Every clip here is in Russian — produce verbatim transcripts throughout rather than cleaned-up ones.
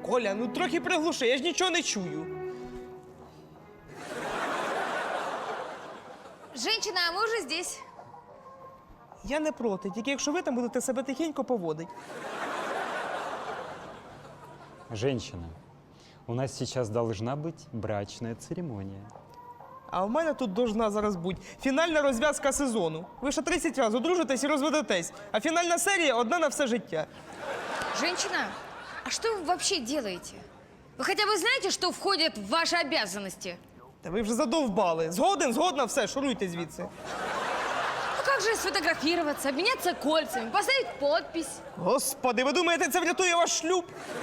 Коля, ну трохи приглуши, я ж нічого не чую. Женщина, а мы уже здесь. Я не проти, тільки якщо ви там будете себе тихенько поводити. Женщина, у нас сейчас должна быть брачная церемония. А у мене тут должна зараз бути фінальна розв'язка сезону. Ви ще тридцять разів одружитесь і розведетесь, а фінальна серія одна на все життя. Женщина, а что вы вообще делаете? Вы хотя бы знаете, что входит в ваши обязанности? Та ви вже задовбали. Згоден, згодна, все, шуруйте звідси. Ну как же сфотографироваться, обменяться кольцами, поставить подпись? Господи, ви думаєте, це врятує ваш шлюб?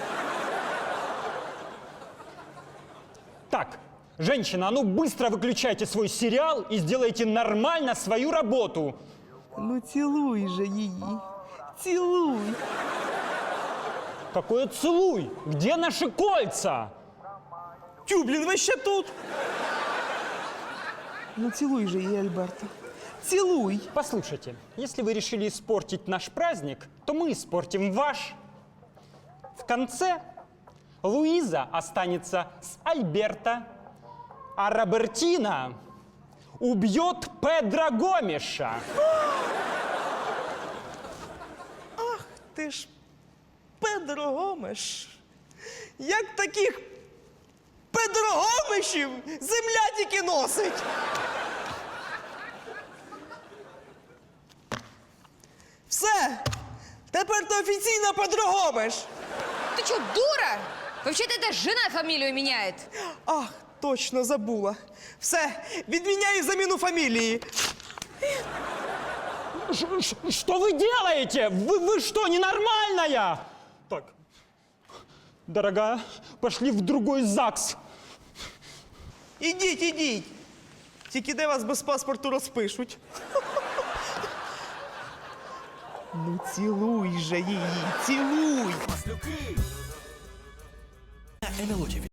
Так, женщина, а ну быстро выключайте свой сериал и сделайте нормально свою работу. Ну цілуй же її. Цілуй. Какое целуй? Где наши кольца? Тю, блін, ви ще тут. Ну цілуй же її, Альберто. Цілуй. Послушайте, если вы решили испортить наш праздник, то мы испортим ваш. В конце Луиза останется с Альберто, а Робертина убьет Педро Гомеша. Ти ж Педро Гомеш. Як таких Педро Гомешів земля тільки носить. Все. Тепер ти офіційно Педро Гомеш. Ты что, дура? Вообще-то это жена фамилию меняет. Ах, точно забула. Все, відміняю заміну фамілії. Ш- ш- Что вы делаете? Вы, вы что, ненормальная? Так, дорогая, пошли в другой ЗАГС. Ідіть, ідіть. Тільки де вас без паспорту розпишуть. Ну цілуй же її, цілуй. ен ел о ті ві.